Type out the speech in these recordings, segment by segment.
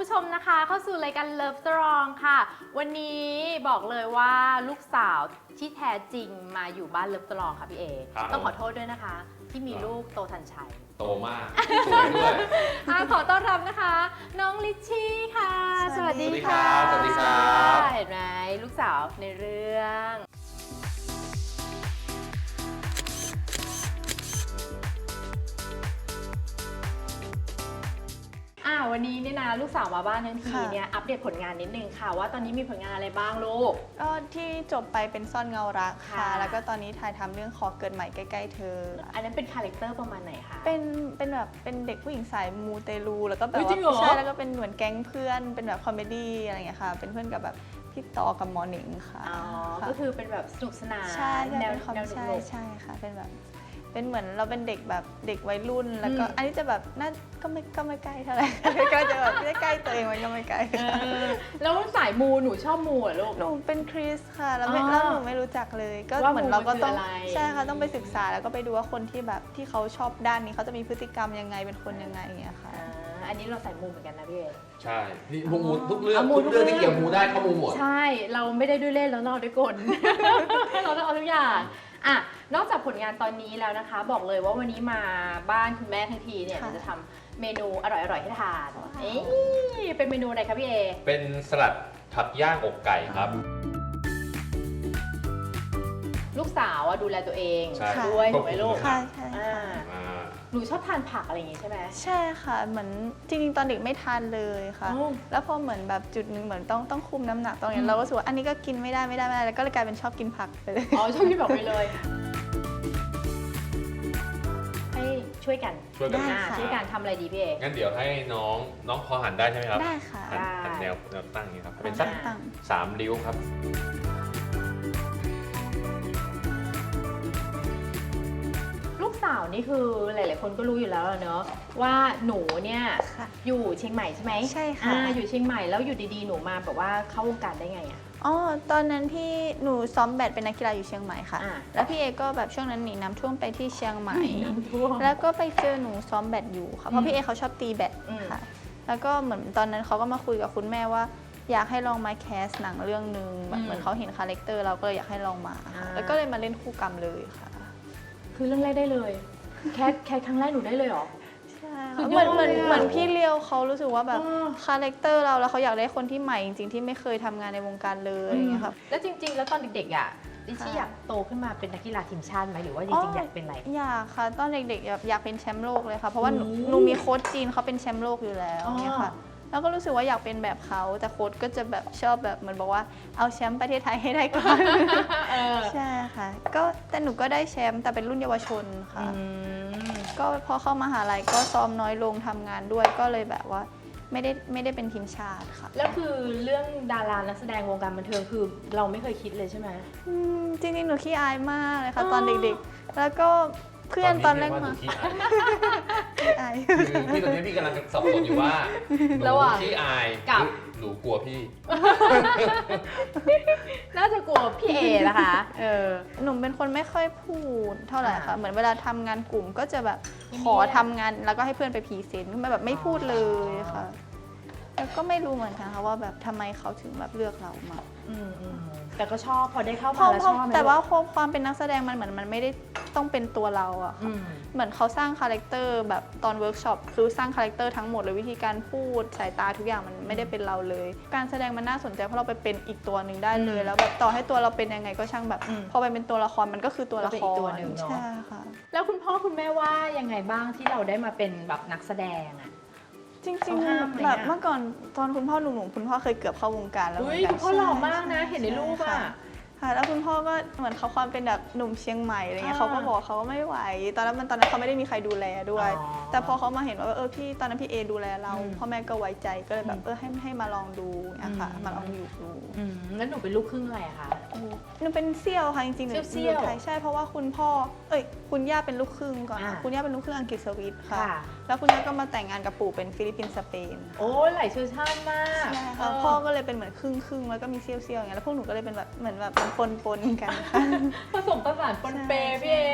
ผู้ชมนะคะเข้าสู่รายการ Love Strong ค่ะวันนี้บอกเลยว่าลูกสาวที่แท้จริงมาอยู่บ้าน Love Strong ค่ะพี่เอต้องขอโทษด้วยนะคะที่มีลูกโตทันชัยโตมากสวยด้วยขอต้อนรับนะคะน้องลิชชี่ค่ะสวัสดีค่ะสวัสดีครับเห็นไหมลูกสาวในเรื่องวันนี้เนี่ยนะลูกสาวมาบ้านทั้งทีเนี่ยอัปเดตผลงานนิดนึงค่ะว่าตอนนี้มีผลงานอะไรบ้างลูกก็ที่จบไปเป็นซ่อนเงารักค่ะแล้วก็ตอนนี้ถ่ายทำเรื่องขอเกิดใหม่ใกล้ๆเธออันนั้นเป็นคาแรคเตอร์ประมาณไหนคะเป็นแบบเป็นเด็กผู้หญิงสายมูเตลูแล้วก็แบบว่าใช่แล้วก็เป็นเหมือนแก๊งเพื่อนเป็นแบบคอมเมดี้อะไรอย่างเงี้ยค่ะเป็นเพื่อนกับแบบพี่ต่อกับหมอหนิงค่ะก็คือเป็นแบบสนุกสนานใช่แนวใช่ค่ะเป็นแบบเป็นเหมือนเราเป็นเด็กแบบเด็กวัยรุ่นแล้วก็อันนี้จะแบบน่าก็ไม่ใกล้เท่าไหร่ก็จะแบบใกล้ตัวเองมันก็ไม่ใกล้แล้วสายมูหนูชอบมูเหรอลูกหนูเป็นคริสค่ะแล้วหนูไม่รู้จักเลยก็เหมือนเราก็ต้องใช่ค่ะต้องไปศึกษาแล้วก็ไปดูว่าคนที่แบบที่เขาชอบด้านนี้เขาจะมีพฤติกรรมยังไงเป็นคนยังไงอย่างเงี้ยค่ะอันนี้เราใส่มูเหมือนกันนะพี่เอใช่นี่มูทุกเรื่องที่เกี่ยวมูได้เขามูหมดใช่เราไม่ได้ด้วยเล่นแล้วนอกด้วยกลเราต้องเอาทุกอย่างนอกจากผลงานตอนนี้แล้วนะคะบอกเลยว่าวันนี้มาบ้านคุณแม่ทั้งทีเนี่ยจะทำเมนูอร่อยๆให้ทานเป็นเมนูอะไรคะพี่เอเป็นสลัดผักย่างอกไก่ครับลูกสาวดูแลตัวเองด้วยถูกไหมลูกค่ะใช่หนูชอบทานผักอะไรอย่างงี้ใช่ไหมใช่ค่ะเหมือนจริงๆตอนเด็กไม่ทานเลยค่ะแล้วพอเหมือนแบบจุดนึงเหมือนต้องคุมน้ำหนักตรงนี้เราก็รู้สึกว่าอันนี้ก็กินไม่ได้แล้วก็เลยกลายเป็นชอบกินผักไปเลยชอบกินผักไปเลยให้ช่วยกันทำอะไรดีพี่เองั้นเดี๋ยวให้น้องพอหันได้ใช่ไหมครับได้ค่ะหันแนวตั้งอย่างนี้ครับเป็นสัก3 ริ้วครับลูกสาวนี่คือหลายๆคนก็รู้อยู่แล้วเนอะว่าหนูเนี่ยอยู่เชียงใหม่ใช่ไหมใช่ค่ะอยู่เชียงใหม่แล้วอยู่ดีๆหนูมาแบบว่าเข้าวงการได้ไงตอนนั้นพี่หนูซ้อมแบดเป็นนักกีฬาอยู่เชียงใหม่ค่ะแล้วพี่เอก็แบบช่วงนั้นหนีน้ำท่วมไปที่เชียงใหม่แล้วก็ไปเจอหนูซ้อมแบดอยู่ค่ะเพราะพี่เอเขาชอบตีแบดค่ะแล้วก็เหมือนตอนนั้นเขาก็มาคุยกับคุณแม่ว่าอยากให้ลองมาแคสหนังเรื่องนึงเหมือนเขาเห็นคาแรคเตอร์เราก็เลยอยากให้ลองมาแล้วก็เลยมาเล่นคู่กรรมเลยค่ะคือเรื่องแรกได้เลยแค่ครั้งแรกหนูได้เลยเหรอใช่เหมือนพี่เลียวเขารู้สึกว่าแบบคาแรคเตอร์เราแล้วเขาอยากได้คนที่ใหม่จริงๆที่ไม่เคยทำงานในวงการเลยอย่างเงี้ยครับแล้วจริงๆแล้วตอนเด็กๆดิชี่อยากโตขึ้นมาเป็นนักกีฬาทีมชาติไหมหรือว่าจริงๆอยากเป็นอะไรอยากค่ะตอนเด็กๆอยากเป็นแชมป์โลกเลยค่ะเพราะว่าหนูมีโค้ชจีนเขาเป็นแชมป์โลกอยู่แล้วเนี่ยค่ะแล้วก็รู้สึกว่าอยากเป็นแบบเขาแต่โค้ชก็จะแบบชอบแบบเหมือนบอกว่าเอาแชมป์ประเทศไทยให้ได้ก่อนใช่ค่ะก็แต่หนูก็ได้แชมป์แต่เป็นรุ่นเยาวชนค่ะก็พอเข้ามหาลัยก็ซ้อมน้อยลงทำงานด้วยก็เลยแบบว่าไม่ได้เป็นทีมชาติค่ะแล้วคือเรื่องดารานักแสดงวงการบันเทิงคือเราไม่เคยคิดเลยใช่ไหมจริงๆหนูขี้อายมากเลยค่ะตอนเด็กๆแล้วก็เพื่อนตอนแรกมาขี้อายพี่ตอนนี้พี่กำลังสับสนอยู่ว่าหนูขี้อายกับหนูกลัวพี่น่าจะกลัวพี่เอนะคะหนูเป็นคนไม่ค่อยพูดเท่าไหร่ค่ะเหมือนเวลาทำงานกลุ่มก็จะแบบขอทำงานแล้วก็ให้เพื่อนไปพรีเซนต์แบบไม่พูดเลยค่ะแล้วก็ไม่รู้เหมือนกันค่ะว่าแบบทำไมเขาถึงแบบเลือกเรามาแต่ก็ชอบพอได้เข้ามาแล้วชอบแต่ว่าความเป็นนักแสดงมันเหมือนมันไม่ได้ต้องเป็นตัวเราอะค่ะเหมือนเขาสร้างคาแรคเตอร์แบบตอนเวิร์กช็อปคือสร้างคาแรคเตอร์ทั้งหมดเลยวิธีการพูดสายตาทุกอย่างมันไม่ได้เป็นเราเลยการแสดงมันน่าสนใจเพราะเราไปเป็นอีกตัวหนึ่งได้เลยแล้วแบบต่อให้ตัวเราเป็นยังไงก็ช่างแบบพอไปเป็นตัวละครมันก็คือตัวละครใช่ค่ะแล้วคุณพ่อคุณแม่ว่ายังไงบ้างที่เราได้มาเป็นแบบนักแสดงอะจริงๆแบบเมื่อก่อนตอนคุณพ่อหนุ่มๆคุณพ่อเคยเกือบเข้าวงการแล้วเหมือนกันคุณพ่อหล่อมากนะเห็นในรูปอะแล้วคุณพ่อก็เหมือนเขาความเป็นแบบหนุ่มเชียงใหม่อะไรเงี้ยเขาก็บอกเขาก็ไม่ไหวตอนนั้นเขาไม่ได้มีใครดูแลด้วยแต่พอเขามาเห็นว่าพี่ตอนนั้นพี่เอดูแลเราพ่อแม่ก็ไว้ใจก็เลยแบบให้มาลองดูนะคะมาลองอยู่ดูแล้วหนูเป็นลูกครึ่งอะไรคะหนูเป็นเซี่ยวค่ะจริงๆหนูไทยใช่เพราะว่าคุณพ่อคุณย่าเป็นลูกครึ่งก่อนคุณย่าเป็นลูกครึ่งอังกฤษสวิตค่ะแล้วคุณย่าก็มาแต่งงานกับปู่เป็นฟิลิปปินส์สเปนโอ้หลายเชื้อชาติมากใช่ค่ะพ่อก็เลยเป็นเหมือนครึ่งแล้วก็มีเซี่ยวอย่างเงี้ยแล้วพวกหนูก็เลยเป็นแบบเหมือนแบบปนกันผสมผสานปนเปพี่เอ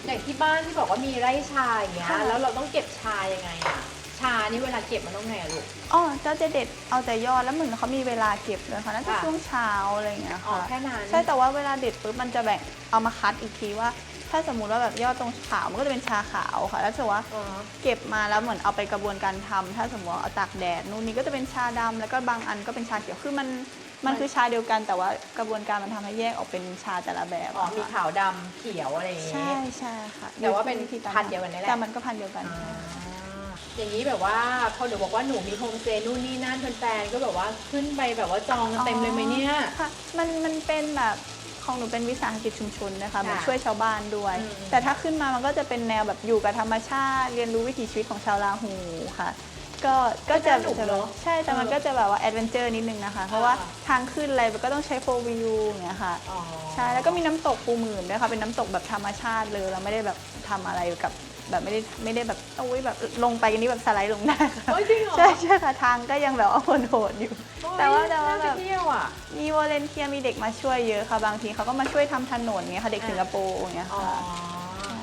อย่างที่บ้านที่บอกว่ามีไร่ชาอย่างเงี้ยค่ะแล้วเราต้องเก็บชายังไงอะชานี่เวลาเก็บมันต้องไงอะลูกอ๋อจะเด็ดเอาแต่ยอดแล้วเหมือนเขามีเวลาเก็บเลยค่ะน่าจะค่ะช่วงเช้าอะไรอย่างเงี้ยอ๋อค่ะแค่นั้นใช่แต่ว่าเวลาเด็ดปุ๊บมันจะแบ่งเอามาคัดอีกทีว่า ถ้าสมมุติว่าแบบยอดตรงขาวมันก็จะเป็นชาขาวค่ะแล้วถือว่าอ๋อเก็บมาแล้วเหมือนเอาไปกระบวนการทำถ้าสมมติว่าเอาตากแดดนู่นนี่ก็จะเป็นชาดำแล้วก็บางอันก็เป็นชาเขียวคือมันคือชาเดียวกัน แต่ว่ากระบวนการมันทำให้แยกออกเป็นชาแต่ละแบบอ๋ออะมีค่ะขาวดำเขียวอะไรอย่างงี้ใช่ใช่ค่ะแต่ว่าเป็นอยู่ที่พันธุ์เดียวกันนี่แหละแต่มันก็พันธุ์เดียวกันอ่าใช่อย่างนี้แบบว่าพอหนูบอกว่าหนูมีโฮมสเตย์นู่นนี่นั่นแฟนๆก็แบบว่าขึ้นไปแบบว่าจองกันเต็มเลยไหมเนี่ยค่ะมันเป็นแบบของหนูเป็นวิสาหกิจชุมชนนะคะมันค่ะช่วยชาวบ้านด้วยอืมแต่ถ้าขึ้นมามันก็จะเป็นแนวแบบอยู่กับธรรมชาติ เรียนรู้วิถีชีวิตของชาวลาหูค่ะ ก็จะสนุกเนอะใช่แต่มันก็จะแบบว่าแอดเวนเจอร์นิดนึงนะคะ เพราะว่าทางขึ้นอะไรมันก็ต้องใช้โฟล์วิวอย่างเงี้ยค่ะอ๋อใช่ แล้วก็มีน้ำตกปูหมื่นด้วยค่ะ เป็นน้ำตกแบบธรรมชาติเลย เราไม่ได้แบบทำอะไรกับแบบไม่ได้แบบโอ้ยแบบลงไปกันนี้แบบสไลด์ลงได้ค่ะโอ้ยจริงเหรอใช่ใช่ค่ะ ทางก็ยังแบบว่าโหดๆอยู่ แต่ว่าน่าแบไปบเที่ยวอ่ะมีวอลเลนเทียร์มีเด็กมาช่วยเยอะค่ะ บางทีเขาก็มาช่วยทำถนนเงี้ยค่ะ เด็กสิงคโปร์อย่างเงี้ยอ๋อค่ะ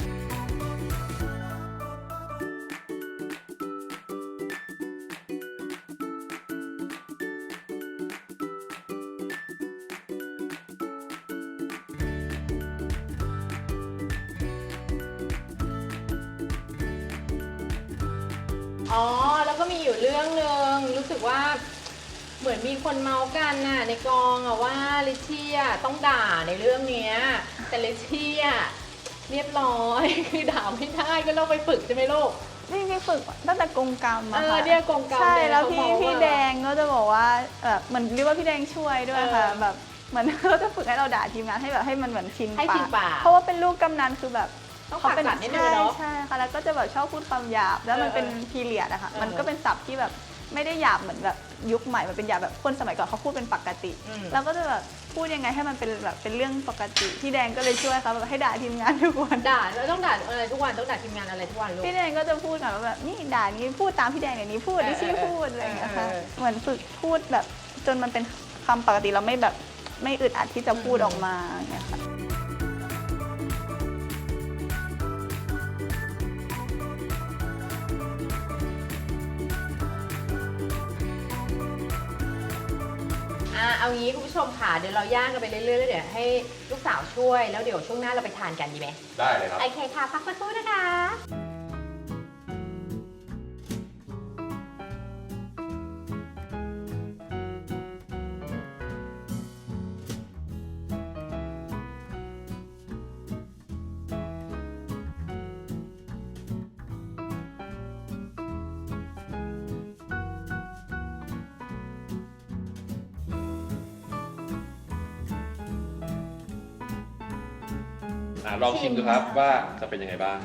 อ๋อ แล้วก็มีอยู่เรื่องหนึ่งรู้สึกว่าเหมือนมีคนเมาส์กันน่ะในกองอะว่าลิชชี่อะต้องด่าในเรื่องเนี้ยแต่ลิชชี่อะเรียบร้อย คือด่าไม่ได้ก็ต้องไปฝึกใช่ไหมลูกพี่ฝึกตั้งแต่กงกรรมอะค่ะเนี่ยกงกรรมใช่เลยแล้วเขาบอกว่าพี่แดงก็จะบอกว่าแบบเหมือนเรียกว่าพี่แดงช่วยด้วยค่ะ แบบเหมือน เขาจะฝึกให้เราด่าทีมงานให้แบบให้มันเหมือนชินให้ชินปากเพราะว่าเป็นลูกกำนันคือแบบต้องเขาเป็นปากกัดนิดนึงเนอะใช่ค่ะแล้วก็จะแบบชอบพูดคำหยาบแล้วมันเป็นพีเรียดอะค่ะมันก็เป็นศัพท์ที่แบบไม่ได้หยาบเหมือนแบบยุคใหม่มันเป็นหยาบแบบคนสมัยก่อนเขาพูดเป็นปกติอืมเราก็จะแบบพูดยังไงให้มันเป็นแบบเป็นเรื่องปกติพี่แดงก็เลยช่วยเขาแบบให้ด่าทีมงานทุกวันด่าแล้วต้องด่าอะไรทุกวันต้องด่าทีมงานอะไรทุกวันลูกพี่แดงก็จะพูดกันว่าแบบนี่ด่านี้พูดตามพี่แดงอย่างนี้พูดดิชี่พูดอะไรอย่างเงี้ยค่ะเหมือนฝึกพูดแบบจนมันเป็นคำปกติเราไม่แบบไม่อึดอัดที่จะพูดออกมาอย่างเงี้ยค่ะเอางี้คุณผู้ชมค่ะเดี๋ยวเราย่างกันไปเรื่อยๆแล้วเดี๋ยวให้ลูกสาวช่วยแล้วเดี๋ยวช่วงหน้าเราไปทานกันดีไหมได้เลยครับโอเคค่ะพักสักครู่นะคะลองชิมดูครับว่าจะเป็นยังไงบ้าง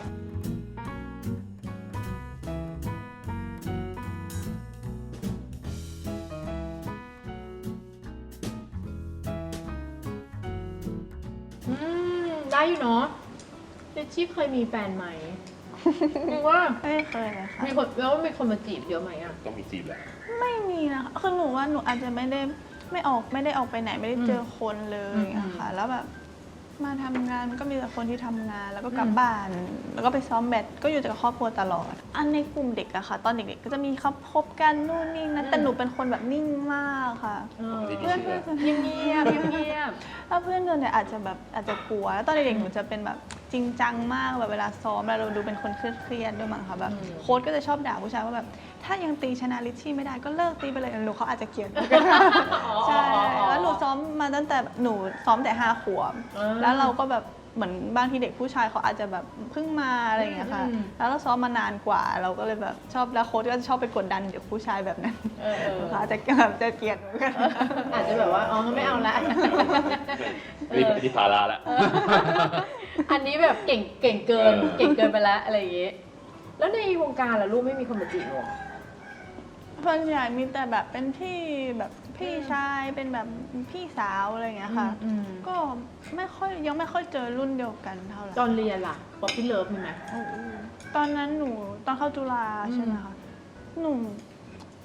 ได้อยู่เนาะเจชชี่เคยมีแฟนไหมคือว่าไม่เคยเลยค่ะมีคนแล้วมีคนมาจีบเยอะไหมอ่ะต้องมีจีบแหละไม่มีนะคะคือหนูว่าหนูอาจจะไม่ได้ออกไปไหนไม่ได้เจอคนเลยอะค่ะแล้วแบบมาทำงานมันก็มีแต่คนที่ทำงานแล้วก็กลับบ้าน แล้วก็ไปซ้อมแบดก็อยู่แต่กับครอบครัวตลอด อันในกลุ่มเด็กอะค่ะ ตอนเด็กๆก็จะมีเขาพบกันนู่นนี่นะแต่หนูเป็นคนแบบนิ่งมากค่ะปกติเพื่อนไม่เชื่อเงียบๆเงียบถ้าเพื่อนเดินเนี่ยอาจจะกลัวแล้วตอนเด็กๆหนูจะเป็นแบบจริงจังมากแบบเวลาซ้อมแล้วเราดูเป็นคนเครียดๆด้วยมั้งค่ะแบบโค้ชก็จะชอบด่าผู้ชายว่าแบบถ้ายังตีชนะลิชชี่ไม่ได้ก็เลิกตีไปเลยหนูเขาอาจจะเกลียดหนูก็ได้ใช่แล้วหนูซ้อมมาตั้งแต่หนูซ้อมแต่5 ขวบแล้วเราก็แบบเหมือนบางทีเด็กผู้ชายเขาอาจจะแบบเพิ่งมาอะไรอย่างเงี้ยค่ะแล้วเราซ้อมมานานกว่าเราก็เลยแบบชอบแล้วโค้ชก็จะชอบไปกดดันเด็กผู้ชายแบบนั้นเขาอาจจะแบบจะเกลียดเหมือนกันอาจจะแบบว่าอ๋อไม่เอาละนี่เป็นที่ภาระแล้วอันนี้แบบเก่งเกินไปแล้วอะไรอย่างเงี้ยแล้วในวงการล่ะลูกไม่มีคนมาจีบหรอส่วนใหญ่มีแต่แบบเป็นพี่แบบพี่ชายเป็นแบบพี่สาวอะไรอย่างเงี้ยค่ะ ก็ยังไม่ค่อยเจอรุ่นเดียวกันเท่าไหร่ตอนเรียนล่ะป๊อปปี้เลิฟมีไหมตอนนั้นหนูตอนเข้าจุฬาใช่ไหมคะหนู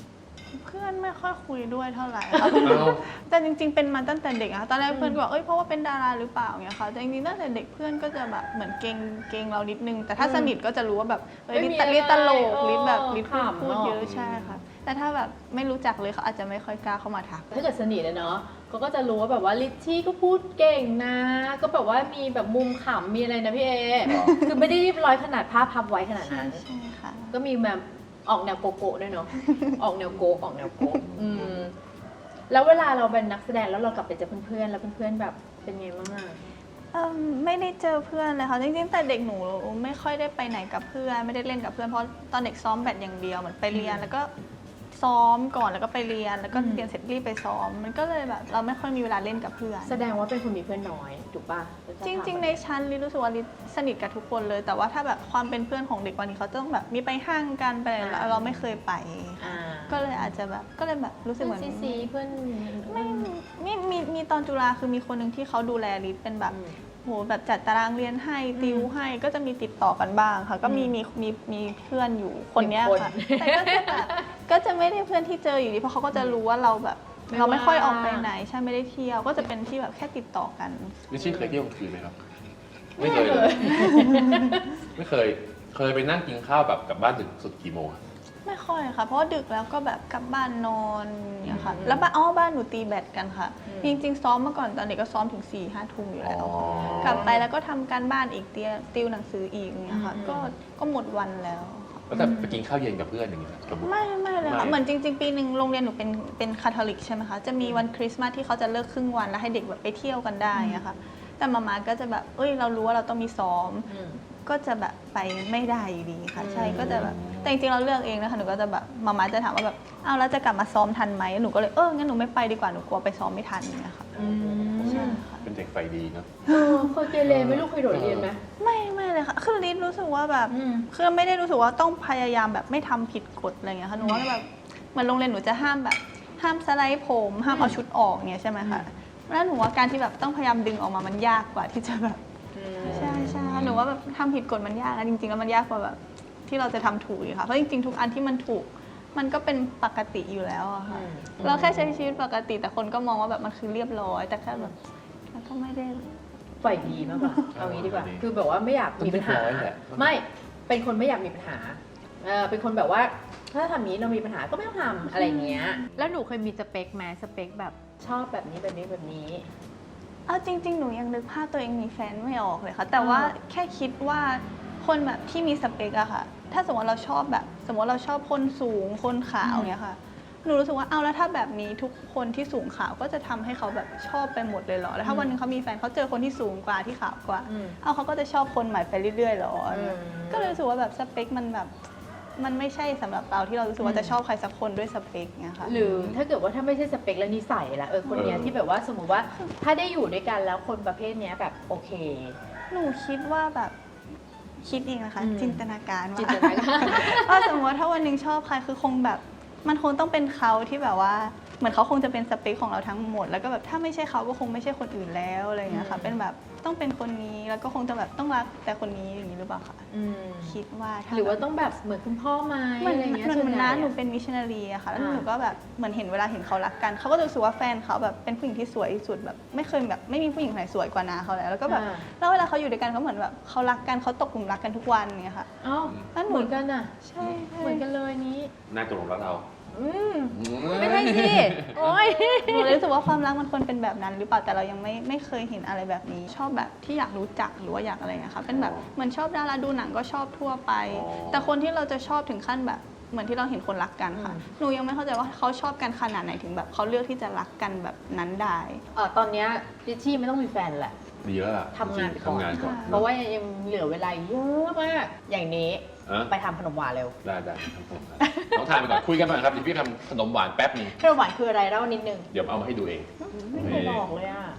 เพื่อนไม่ค่อยคุยด้วยเท่าไหร่ค่ะเอาแต่จริงๆ เป็นมาตั้งแต่เด็กอะตอนแรกเพื่อนก็บอกเพราะว่าเป็นดาราหรือเปล่าเงี้ยค่ะแต่จริงๆตั้งแต่เด็กเพื่อนก็จะแบบเหมือนเกรงเรานิดนึง แต่ถ้าสนิทก็จะรู้ว่าแบบลิตตลกลิตแบบลิตพูดเยอะใช่ค่ะ แต่ถ้าแบบไม่รู้จักเลยเขาอาจจะไม่ค่อยกล้าเข้ามาทักถ้าเกิดสนิทอะเนาะเขาก็จะรู้ว่าแบบว่าลิชชี่ก็พูดเก่งนะ ก็แบบว่ามีแบบมุมขำมีอะไรนะพี่เอ คือไม่ได้เรียบร้อยขนาดภาพพับไว้ขนาดนั้นใช่ค่ะก็มีแบบออกแนวโกโก้ด้วยเนาะ ออกแนวโกะออกแนวโกะแล้วเวลาเราเป็นนักแสดงแล้วเรากลับไปเจอเพื่อนๆแล้วเพื่อนๆแบบเป็นไงบ้างอะไม่ได้เจอเพื่อนเลยค่ะจริงๆแต่เด็กหนูไม่ค่อยได้ไปไหนกับเพื่อนไม่ได้เล่นกับเพื่อนเพราะตอนเด็กซ้อมแบดอย่างเดียวเหมือนไปเรียนแล้วก็ซ้อมก่อนแล้วก็ไปเรียนแล้วก็เรียนเสร็จรีบไปซ้อมมันก็เลยแบบเราไม่ค่อยมีเวลาเล่นกับเพื่อนแสดงว่าเป็นคนมีเพื่อนน้อยถูกป่ะจริงๆ ในชั้นลิรู้สึกว่าลิสนิทกับทุกคนเลย แต่ว่าถ้าแบบความเป็นเพื่อนของเด็กวันนี้เขาต้องแบบมีไปห้างกันไปอะไรแล้วเราไม่เคยไป ก็เลยอาจจะแบบก็เลยแบบรู้สึกเหมือนซีเพื่อนไม่มีตอนจุฬาคือมีคนหนึ่งที่เขาดูแลลิเป็นแบบโหแบบจัดตารางเรียนให้ติวให้ก็จะมีติดต่อกันบ้างค่ะก็มีเพื่อนอยู่คนเนี้ยค่ะแต่ก็จะแบบก็จะไม่ได้เพื่อนที่เจออยู่ดีเพราะเขาก็จะรู้ว่าเราแบบเราไม่ค่อยออกไปไหนใช่ไม่ได้เที่ยวก็จะเป็นที่แบบแค่ติดต่อกันลิชชี่เคยเที่ยวกลางคืนไหมครับ ไม่เคยเลย ไม่เคยไปนั่งกินข้าวแบบกลับบ้านดึกสุดกี่โมงอะไม่ค่อยค่ะ เพราะว่าดึกแล้วก็แบบกลับบ้านนอนเนี่ยค่ะ แล้วบ้านหนูตีแบดกันค่ะ จริงๆซ้อมเมื่อก่อนตอนเด็กก็ซ้อมถึง4-5 ทุ่มอยู่แล้ว กลับไปแล้วก็ทำการบ้านอีกติวหนังสืออีกเนี่ยค่ะ ก็หมดวันแล้วค่ะแล้วแต่ไปกินข้าวเย็นกับเพื่อนอย่างเงี้ยสมมติไม่เลยค่ะไม่เหมือนจริงๆ ปีหนึ่งโรงเรียนหนูเป็นคาทอลิกใช่ไหมคะ จะมีวันคริสต์มาสที่เขาจะเลิกครึ่งวันแล้วให้เด็กแบบไปเที่ยวกันได้อะค่ะ แต่มาก็จะแบบเรารู้ว่าเราต้องมีซ้อม ก็จะแบบไปไม่ได้อยู่ดีค่ะ ใช่ก็จะแบบแต่จริงๆเราเลือกเองนะคะหนูก็จะแบบมาจะถามว่าแบบอ้าวแล้วจะกลับมาซ้อมทันไหมหนูก็เลยงั้นหนูไม่ไปดีกว่าหนูกลัวไปซ้อมไม่ทันเนี่ยค่ะใช่ค่ะเป็นเด็กไฟดีเนาะเคยเกเรไหม่ลูกเคยโดดเรียนไหมไม่เลยค่ะคือลิศรู้สึกว่าแบบคือไม่ได้รู้สึกว่าต้องพยายามแบบไม่ทำผิดกฎอะไรเงี้ยค่ะหนูว่าแบบเหมือนโรงเรียนหนูจะห้ามสไลด์ผมห้ามเอาชุดออกเงี้ยใช่ไหมคะแล้วหนูว่าการที่แบบต้องพยายามดึงออกมามันยากกว่าที่จะแบบใช่หนูว่าแบบทำผิดกฎมันยากนะจริงๆแล้วมันยากกว่าแบบที่เราจะทำถูกค่ะเพราะจริงๆทุกอันที่มันถูกมันก็เป็นปกติอยู่แล้วอะค่ะเราแค่ใช้ชีวิตปกติแต่คนก็มองว่าแบบมันคือเรียบร้อยแต่แค่แบบมันก็ไม่ได้ฝ่ายดีมากกว่า เอางี้ดีกว่า คือแบบว่าไม่อยากมีปัญหา ไม่เป็นคนไม่อยากมีปัญหาเป็นคนแบบว่าถ้าทำนี้เรามีปัญหาก็ไม่ต้องทำอะไรเงี้ยแล้วหนูเคยมีสเปคไหมสเปคแบบชอบแบบนี้แบบนี้แบบนี้เอาจริงๆ หนูยังนึกภาพตัวเองมีแฟนไม่ออกเลยค่ะ แต่ว่าแค่คิดว่าคนแบบที่มีสเปคอะค่ะ ถ้าสมมติเราชอบแบบสมมติเราชอบคนสูงคนขาวเนี่ยค่ะ หนูรู้สึกว่าเอาแล้วถ้าแบบนี้ทุกคนที่สูงขาวก็จะทำให้เขาแบบชอบไปหมดเลยเหรอ แล้วถ้าวันหนึงเขามีแฟนเขาเจอคนที่สูงกว่าที่ขาวกว่า เอาเขาก็จะชอบคนใหม่ไปเรื่อยๆเหรอ ก็เลยรู้สึกว่าแบบสเปคมันแบบมันไม่ใช่สำหรับเราที่เรารู้สึกว่าจะชอบใครสักคนด้วยสเปคเนี่ยค่ะหรือถ้าเกิดว่าถ้าไม่ใช่สเปคแล้วนิสัยละคนเนี้ยที่แบบว่าสมมติว่าถ้าได้อยู่ด้วยกันแล้วคนประเภทเนี้ยแบบโอเคหนูคิดว่าแบบคิดเองนะคะ จินตนาการจินตนาการว่าสมมติว่าถ้าวันหนึงชอบใครคือคงแบบมันคงต้องเป็นเขาที่แบบว่าเหมือนเขาคงจะเป็นสเปคของเราทั้งหมด แล้วก็แบบถ้าไม่ใช่เขาก็คงไม่ใช่คนอื่นแล้วอะไรอย่างเงี้ยค่ะเป็นแบบต้องเป็นคนนี้แล้วก็คงจะแบบต้องรักแต่คนนี้อย่างนี้หรือเปล่าคะคิดว่าถ้าหรือว่าต้องแบบเหมือนคุณพ่อไหมเหมือนอะไรเงี้ยหนูส่วนใหญ่นะหนูเป็นมิชชันนารีอะค่ะแล้วหนูก็แบบเหมือนเห็นเวลาเห็นเขารักกันเขาก็จะรู้สึกว่าแฟนเขาแบบเป็นผู้หญิงที่สวยที่สุดแบบไม่เคยแบบไม่มีผู้หญิงไหนสวยกว่านาเขาแล้วก็แบบแล้วเวลาเขาอยู่ด้วยกันเขาเหมือนแบบเขารักกันเขาตกหลุมรักกันทุกวันอย่างเงี้ยค่ะอ้าวแล้วหนูเหมือนกันอ่ะใช่เหมือนกันเลยนี้น่าจะหลงรักเราไม่ใช่สิโอ้ยหนูเลยรู้สึกว่าความรักมันควรเป็นแบบนั้น หรือเปล่าแต่เรายังไม่เคยเห็นอะไรแบบนี้ ชอบแบบที่อยากรู้จักหรือว่าอยากอะไรนะคะเป็นแบบเหมือนชอบดาราดูหนังก็ชอบทั่วไป แต่คนที่เราจะชอบถึงขั้นแบบเหมือนที่เราเห็นคนรักกันค่ะหนูยังไม่เข้าใจว่าเขาชอบกันขนาดไหนถึงแบบเขาเลือกที่จะรักกันแบบนั้นได้ตอนเนี้ยลิชชี่ไม่ต้องมีแฟนแหละดีแล้วล่ะทำงานก่อนทำงานก่อนเพราะว่ายังเหลือเวลาเยอะมาก อย่างนี้ไปทำขนมหวานเร็วได้ทำผมต้องทานไปก่อนคุยกันก่อนครับเดี๋ยวพี่ทำขนมหวานแป๊บนึงขนมหวานคืออะไรเล่านิดนึงเดี๋ยวเอามาให้ดูเองไม่เคยบอกเลยอ่ะ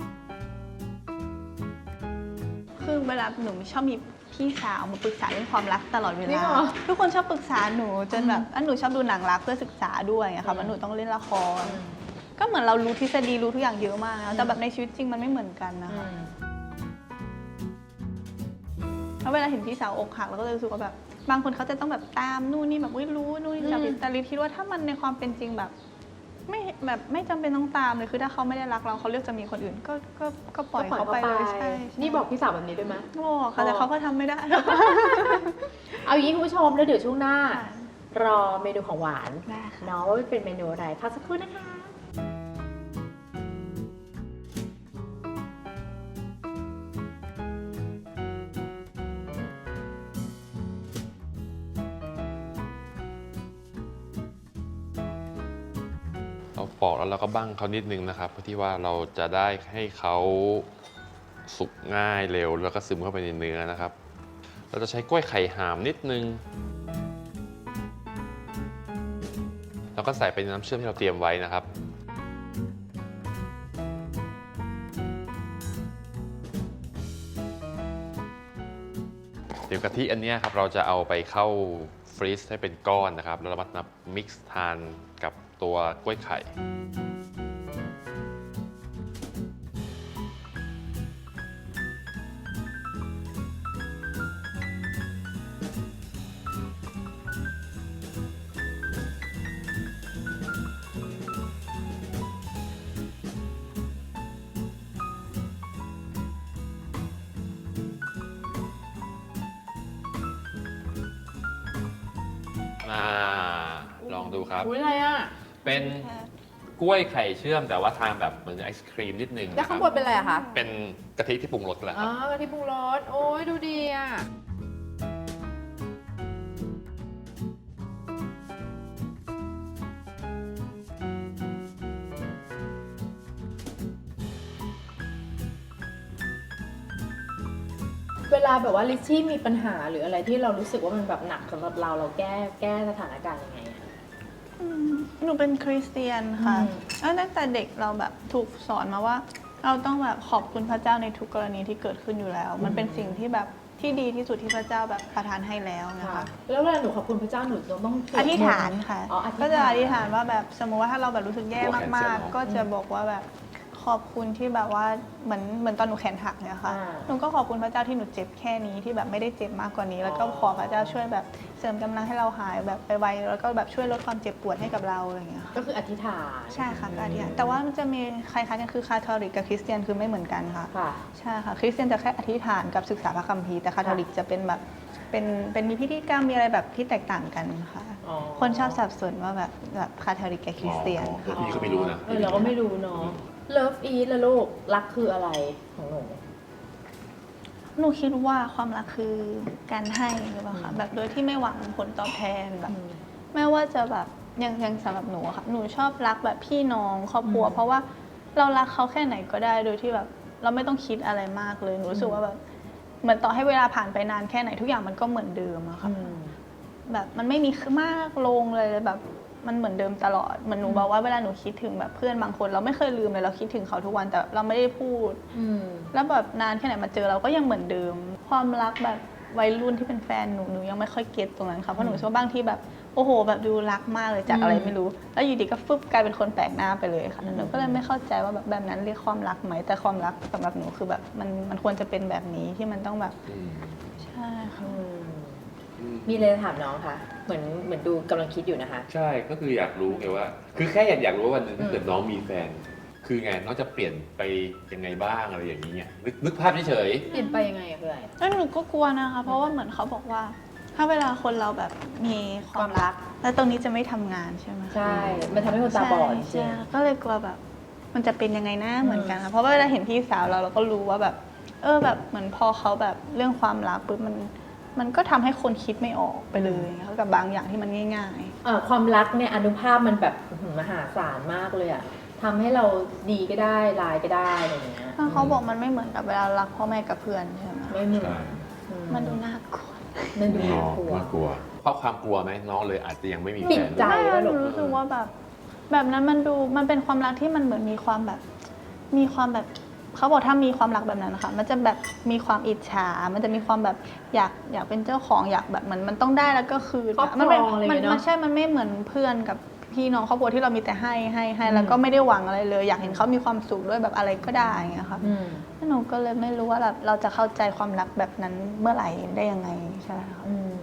คือเวลาหนูชอบมีพี่สาวมาปรึกษาเรื่องความรักตลอดเวจริงลาเหรอทุกคนชอบปรึกษาหนูจนแบบหนูชอบดูหนังรักเพื่อศึกษาด้วยอะค่ะว่าหนูต้องเล่นละคร ก็เหมือนเรารู้ทฤษฎีรู้ทุกอย่างเยอะมากนะแต่แบบในชีวิตจริงมันไม่เหมือนกันนะคะ แล้วเวลาเห็นพี่สาวอกหักเราก็จะรู้สึกว่าแบบบางคนเขาจะต้องแบบตามนู่นนี่แบบรู้นู่นนี่แต่ลิคิดว่าถ้ามันในความเป็นจริงแบบไม่จำเป็นต้องตามเลยคือถ้าเขาไม่ได้รักเราเขาเลือกจะมีคนอื่นก็ปล่อยเขาไปเลยใช่นี่บอกพี่สาวแบบนี้ด้วยไหมบอกค่ะแต่เขาก็ทำไม่ได้เอาอย่างนี้คุณผู้ชมแล้วเดี๋ยวช่วงหน้าค่ะรอเมนูของหวานได้ค่ะเนาะว่าเป็นเมนูอะไรพักสักครู่นะคะเราปอกแล้วเราก็บั้งเขานิดนึงนะครับเพื่อที่ว่าเราจะได้ให้เขาสุกง่ายเร็วแล้วก็ซึมเข้าไปในเนื้อนะครับ เราจะใช้กล้วยไข่หามนิดนึงแล้วก็ใส่ไปในน้ำเชื่อมที่เราเตรียมไว้นะครับ เดี๋ยวกะทิอันเนี้ยครับเราจะเอาไปเข้าฟรีซให้เป็นก้อนนะครับแล้วเรามามิกซ์ทานกับตัวกล้วยไข่ ลองดูครับอุ้ยอะไรอ่ะเป็นกล้วยไข่เชื่อมแต่ว่าทานแบบเหมือนไอศครีมนิดนึงแล้วข้างบนเป็นอะไรอะคะเป็นกะทิที่ปรุงรสแหละคอ๋รัอบ กะทิปรุงรสโอ้ยดูดีอ่ะ เวลาแบบว่าลิชชี่มีปัญหาหรืออะไรที่เรารู้สึกว่ามันแบบหนักสำหรับเราแก้สถานการณ์ยังไงอะหนูเป็นคริสเตียนค่ะอืมแล้วตั้งแต่เด็กเราแบบถูกสอนมาว่า เราต้องแบบขอบคุณพระเจ้าในทุกกรณีที่เกิดขึ้นอยู่แล้ว มันเป็นสิ่งที่แบบที่ดีที่สุดที่พระเจ้าแบบประทานให้แล้วนะคะแล้วเวลาหนูขอบคุณพระเจ้าหนูต้องสวดมนต์อธิษฐานค่ะอ๋ออธิษฐานก็จะอธิษฐานว่าแบบสมมติว่าถ้าเราแบบรู้สึกแย่ตัวแขนเสีมาย กเนอะๆ ก็จะบอกว่าแบบขอบคุณที่แบบว่าเหมือนตอนหนูแขนหักเนี่ยค่ะอ่าหนูก็ขอบคุณพระเจ้าที่หนูเจ็บแค่นี้ที่แบบไม่ได้เจ็บมากกว่านี้ แล้วก็ขอพระเจ้าช่วยแบบเสริมกำลังให้เราหายแบบไปไวแล้วก็แบบช่วยลดความเจ็บปวดให้กับเราอะไรอย่างเงี้ยค่ะก็คืออธิษฐานใช่ค่ะก็อธิษฐานแต่ว่ามันจะมีคล้ายๆกันคือคาทอลิกกับคริสเตียนคือไม่เหมือนกันค่ะค่ะใช่ค่ะคริสเตียนจะแค่อธิษฐานกับศึกษาพระคัมภีร์แต่คาทอลิกจะเป็นแบบเป็นมีพิธีกรรมมีอะไรแบบที่แตกต่างกันค่ะอ๋อคนชอบสับสนว่าแบบคาทอลิกกับคริสเตียนอ๋อพี่ก็ไม่รู้นะเราก็ไม่รู้เนาะ Love Eat ละลูกรักคืออะไรของหนูหนูคิดว่าความรักคือการให้หรือเปล่าคะแบบโดยที่ไม่หวังผลตอบแทนแบบไม่ว่าจะแบบยังสำหรับหนูอะค่ะหนูชอบรักแบบพี่น้องครอบครัวอืมเพราะว่าเรารักเขาแค่ไหนก็ได้โดยที่แบบเราไม่ต้องคิดอะไรมากเลยหนูรู้สึกว่าแบบเหมือนต่อให้เวลาผ่านไปนานแค่ไหนทุกอย่างมันก็เหมือนเดิมอะค่ะ แบบมันไม่มีมากลงเลยแบบมันเหมือนเดิมตลอดเหมือนหนูบอกว่าเวลาหนูคิดถึงแบบเพื่อนบางคนเราไม่เคยลืมเลยเราคิดถึงเขาทุกวันแต่เราไม่ได้พูด แล้วแบบนานแค่ไหนมาเจอเราก็ยังเหมือนเดิม ความรักแบบวัยรุ่นที่เป็นแฟนหนูยังไม่ค่อยเก็ตตรงนั้นค่ะเพราะหนูรู้สึกว่าบางทีแบบโอ้โหแบบดูรักมากเลยจากอะไรไม่รู้ แล้วอยู่ดีก็ฟึบกลายเป็นคนแปลกหน้าไปเลยค่ะหนูก็เลยไม่เข้าใจว่าแบบนั้นเรียกความรักไหมแต่ความรักสำหรับหนูคือแบบมันควรจะเป็นแบบนี้ที่มันต้องแบบอืมใช่ค่ะมีอะไรจะถามน้องคะ เหมือนดูกำลังคิดอยู่นะคะใช่ก็คืออยากรู้ไงว่า คือแค่อยากรู้ว่าวันหนึงถ้าเกิดน้องมีแฟน คือไงน้องจะเปลี่ยนไปยังไงบ้างอะไรอย่างนี้ไงนึกภาพเฉยเปลี่ยนไปยังไงอะเพื่อนแล้วหนูก็กลัวนะคะเพราะว่าเหมือนเขาบอกว่า ถ้าเวลาคนเราแบบมีความรัก แล้วตรงนี้จะไม่ทำงานใช่ไหมคะใช่ มันทำให้คนตาบอดจริใช่งก็เลยกลัวแบบ มันจะเป็นยังไงนะเหมือนกันค่ะเพราะว่าเวลาเห็นพี่สาวเราก็รู้ว่าแบบแบบเหมือนพอเขาแบบเรื่องความรักปุ๊บมันก็ทำให้คนคิดไม่ออกไปเลยกับบางอย่างที่มันง่ายความรักเนี่ยอนุภาพมันแบบมหาศาลมากเลยอะทำให้เราดีก็ได้ร้ายก็ได้อะไรอย่างเงี้ยๆถ้าเขาบอกมันไม่เหมือนกับเวลารักพ่อแม่กับเพื่อนใช่ไหมไม่เหมือนใช่มันดูน่ากลัวมันดูๆน้น่าองกลัวน่ากลัว เพราะความกลัวไหมน้องเลยอาจจะยังไม่มีปิแฟดนใจไม่แล้วหหรนูอรู้สึกว่าแบบนั้นมันเป็นความรักที่มันเหมือนมีความแบบเขาบอกถ้ามีความรักแบบนั้นนะคะมันจะแบบมีความอิจฉา มันจะมีความแบบอยากเป็นเจ้าของอยากแบบเหมือนมันต้องได้แล้วก็คืนครอบครองมันเป็นอะไรอย่างเงี้ยเนอะมันใช่มันไม่เหมือนเพื่อนกับพี่น้องครอบครัวที่เรามีแต่ให้แล้วก็ไม่ได้หวังอะไรเลย อยากเห็นเขามีความสุขด้วยแบบอะไรก็ได้อย่างเงี้ยค่ะอืมแล้วหนูก็เลยไม่รู้ว่าแบบเราจะเข้าใจความรักแบบนั้นเมื่อไหร่ได้ยังไงใช่ค่ะอืม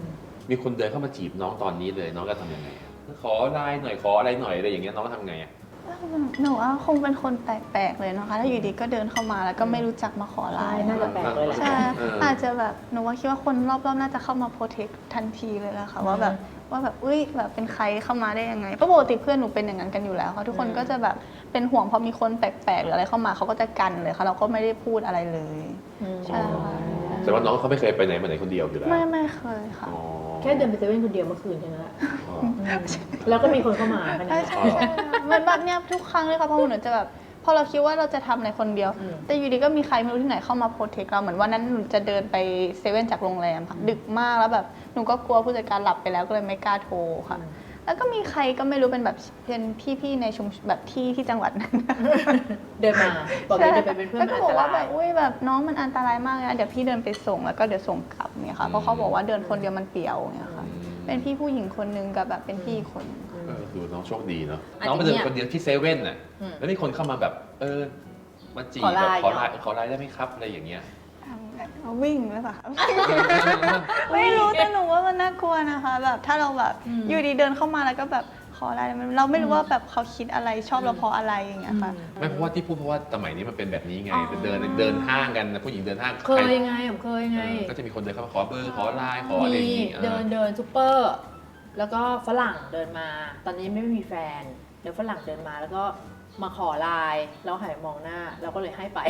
มีคนเดินเข้ามาจีบน้องตอนนี้เลยน้องจะทำยังไงอะขอไลน์หน่อยขออะไรหน่อยอะไรอย่างเงี้ยน้องทำไงอะหนูว่าคงเป็นคนแปลกๆเลยนะคะถ้าอยู่ดีก็เดินเข้ามาแล้วก็ไม่รู้จักมาขอไลใช่น์น่าจะแปลกเลยแหละใช่เอออาจจะแบบหนูว่าคิดว่าคนรอบๆน่าจะเข้ามาโปรเทคทันทีเลยแหละค่ะว่าแบบอุ้ยแบบเป็นใครเข้ามาได้ยังไงเพราะปกติเพื่อนหนูเป็นอย่างนั้นกันอยู่แล้วค่ะทุกคนก็จะแบบเป็นห่วงพอมีคนแปลกๆหรืออะไรเข้ามาเขาก็จะกันเลยค่ะเราก็ไม่ได้พูดอะไรเลย ใช่ค่ะแต่ว่าน้องเขาไม่เคยไปไหนมาไหนคนเดียวอยู่แล้วไม่เคยค่ะอ๋อแค่เดินไปเซเว่นคนเดียวเมื่อคืนแค่นั้นแหละอ๋อแล้วก็มีคนเข้ามาขนาดใช่นั้นใช่ใช่เหมือนแบบเนี้ยทุกครั้งเลยค่ะเพราะหนูจะแบบพอเราคิดว่าเราจะทำอะไรคนเดียวอืมแต่อยู่ดีก็มีใครไม่รู้ที่ไหนเข้ามาโปรเทคเราเหมือนวันนั้นหนูจะเดินไปเซเว่นจากโรงแรมค่ะดึกมากแล้วแบบหนูก็กลัวผู้จัดการหลับไปแล้วก็เลยไม่กล้าโทรค่ะ แล้วก็มีใครก็ไม่รู้เป็นแบบเป็นพี่ๆในชุมแบบที่จังหวัดนั้นเดินมาบอกเลยเดินไปเป็นเพื่อนแล้วมันก็อับนอกตว่าแบรายบอุ้ยแบบน้องมันอันตรายมากเลยนะเดี๋ยวพี่เดินไปส่งแล้วก็เดี๋ยวส่งกลับเนี่ยค่ะเพราะเขาบอกว่าเดินคนเดียวมันเปลี่ยวเนี่ยค่ะเป็นพี่ผู้หญิงคนนึงกับแบบเป็นพี่อีกคนนึงดูน้องโชคดีเนาะอันนี้น้องไปเดินคนเดียวที่เซเว่นน่ะอืมแล้วมีคนเข้ามาแบบมาจีบขอไลแบบน์ขอไลน์ได้ไหมครับอะไรอย่างเงี้ยเอาวิ่งหรือเปล่าคะไม่รู้แต่หนูว่ามันน่ากลัวนะคะ แบบถ้าเราแบบอยู่ดีเดินเข้ามาแล้วก็แบบขออะไรเราไม่รู้ว่าแบบเขาคิดอะไรชอบเราเพราะอะไรอย่างเงี้ยค่ะไม่เพราะว่าที่พูดเพราะว่าสมัยนี้มันเป็นแบบนี้ไงอ๋อเดินห้างกันนะผู้หญิงเดินห้างเคยยังไงผมเคยยังไงก็จะมีคนเดินเข้ามาขอเบอร์ขอไลน์ขออะไรอย่างงี้เดินซูเปอร์ แล้วก็ฝรั่งเดินมา ตอนนี้ไม่มีแฟนเดี๋ยวฝรั่งเดินมาแล้วก็มาขอไลน์แล้วหันไปมองหน้าเราก็เลยให้ไป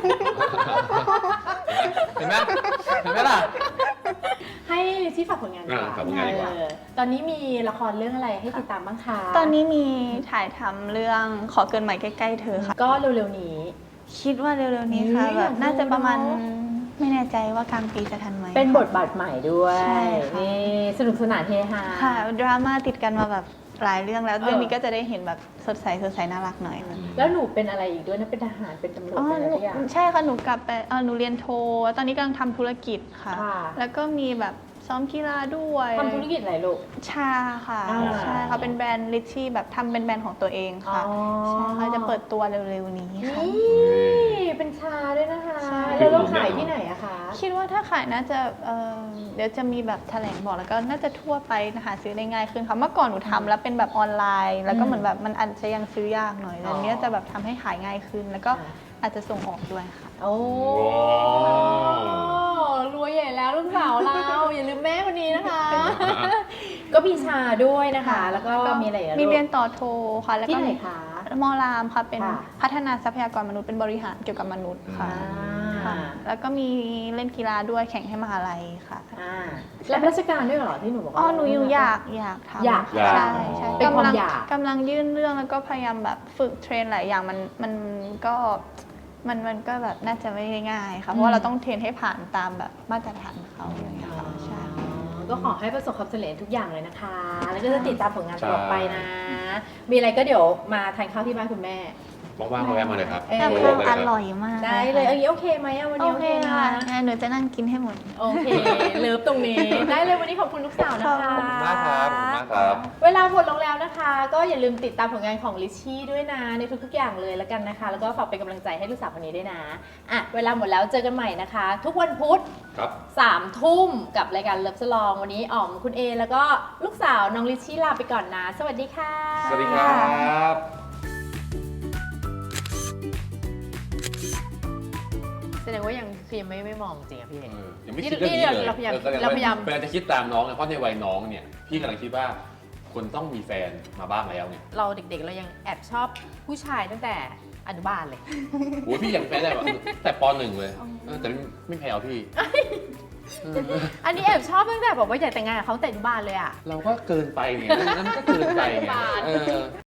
เห็นไหมเห็นไหมล่ะให้ที่ฝากผลงานดีกว่าฝากผลงานดีกว่าตอนนี้มีละครเรื่องอะไรให้ติดตามบ้างคะตอนนี้มีถ่ายทำเรื่องขอเกินใหม่ใกล้ๆเธอค่ะก็เร็วๆนี้คิดว่าเร็วๆนี้ค่ะอุ๊ยแบบน่าจะประมาณอยากดูเนอะไม่แน่ใจว่ากลางปีจะทันไหมเป็นบทบาทใหม่ด้วยใช่ค่ะนี่สนุกสนานเฮฮาค่ะดราม่าติดกันมาแบบหลายเรื่องแล้วเออเรื่องนี้ก็จะได้เห็นแบบสดใสน่ารักหน่อยค่ะแล้วหนูเป็นอะไรอีกด้วยนะเป็นทหารเป็นตำรวจอ๋อเป็นอะไรทุกอย่างใช่ค่ะหนูกลับไปหนูเรียนโท ตอนนี้กำลังทำธุรกิจค่ะค่ะแล้วก็มีแบบซ้อมกีฬาด้วยทำธุรกิจอะไรลูกชาค่ะอ่าใช่ค่ะเป็นแบรนด์ลิชชี่แบบทำเป็นแบรนด์ของตัวเองค่ะอ๋อใช่ค่ะจะเปิดตัวเร็วๆนี้ค่ะนี่เป็นชาด้วยนะคะใช่แล้วเราขายที่ไหนอะคะคิดว่าถ้าขายน่าจะเดี๋ยวจะมีแบบแถลงบอกแล้วก็น่าจะทั่วไปหาซื้อได้ง่ายขึ้นค่ะเมื่อก่อนหนูทำแล้วเป็นแบบออนไลน์ แล้วก็เหมือนแบบมันอาจจะยังซื้อยากหน่อยแต่เนี้ยจะแบบทำให้ขายง่ายขึ้น แล้วก็อาจจะส่งออกด้วยค่ะโอ้รวยใหญ่แล้วลูกสาวเรา อย่าลืมแม่คนนี้นะคะ ก็มีชาด้วยนะคะ แล้วก็มีอะไรอีกอะมีลูกเรียนต่อโทค่ะ แล้วที่ก็ไหนคะมอรามค่ะเป็นค่ะพัฒนาทรัพยากรมนุษย์เป็นบริหารเกี่ยวกับมนุษย์ค่ะอ่าแล้วก็มีเล่นกีฬาด้วยแข่งให้มหาลัยค่ะรับราชการด้วยเหรอที่หนูบอกว่าอ๋อหนูอยู่อยากทำอยากใช่ใช่เป็นความกำลังอยากกำลังยื่นเรื่องแล้วก็พยายามแบบฝึกเทรนหลายอย่างมันก็มันก็แบบน่าจะไม่ได้ง่ายค่ะเพราะว่าเราต้องเทรนให้ผ่านตามแบบมาตรฐานเขาอย่างเงี้ยค่ะใช่ค่ะก็ขอให้ประสบความสำเร็จทุกอย่างเลยนะคะ แล้วก็จะติดตามผลงานต่อไปนะ มีอะไรก็เดี๋ยวมาทานข้าวที่บ้านคุณแม่ว่างๆมาแวะมาเลยครับเออแต่โทเพิ่มมาอเลยครับร่อยมากได้เลยค่ะเอางี้โอเคไหมอะวันโอนี้โอเคเคนะค่ะงั้นหนูจะนั่งกินให้หมดโอเค เลิฟตรงนี้ ได้เลยวันนี้ขอบคุณลูกสาวนะคะขอบคุณมากครับขอบคุณมากครับเวลาหมดลงแล้วนะคะ ก็อย่าลืมติดตามผลงานของลิชชี่ด้วยนะในทุกๆอย่างเลยแล้วกันนะคะ แล้วก็ฝากเป็นกำลังใจให้ลูกสาวคนนี้ด้วยนะอ่ะเวลาหมดแล้วเจอกันใหม่นะคะ ทุกวันพุธครับ 3 ทุ่มกับรายการเลิฟสลองวันนี้อ๋อมคุณเอแล้วก็ลูกสาวน้องลิชชี่ลาไปก่อนนะ สวัสดีค่ะสวัสดีครับแสดงว่ายังคือยังไม่มองจริงอะพี่เอยังไม่คิดเรื่องนี้เลยเราพยายามแสดงเราพยายามเวลาจะคิดตามน้องเนี่ยเพราะในวัยน้องเนี่ยพี่กำลังคิดว่าคนต้องมีแฟนมาบ้างแล้วเนี่ยเราเด็กๆเรายังแอบชอบผู้ชายตั้งแต่อนุบาลเลยโอ้ยพี่ยังแฟนได้แบบแต่ป .1 เลยแต่ไม่แพ้เอาพี่อันนี้แอบชอบตั้งแต่บอกว่าอยากแต่งงานกับเขาแต่อนุบาลเลยอะเราก็เกินไปเนี่ยนั่นก็เกินไปไงบาทเออ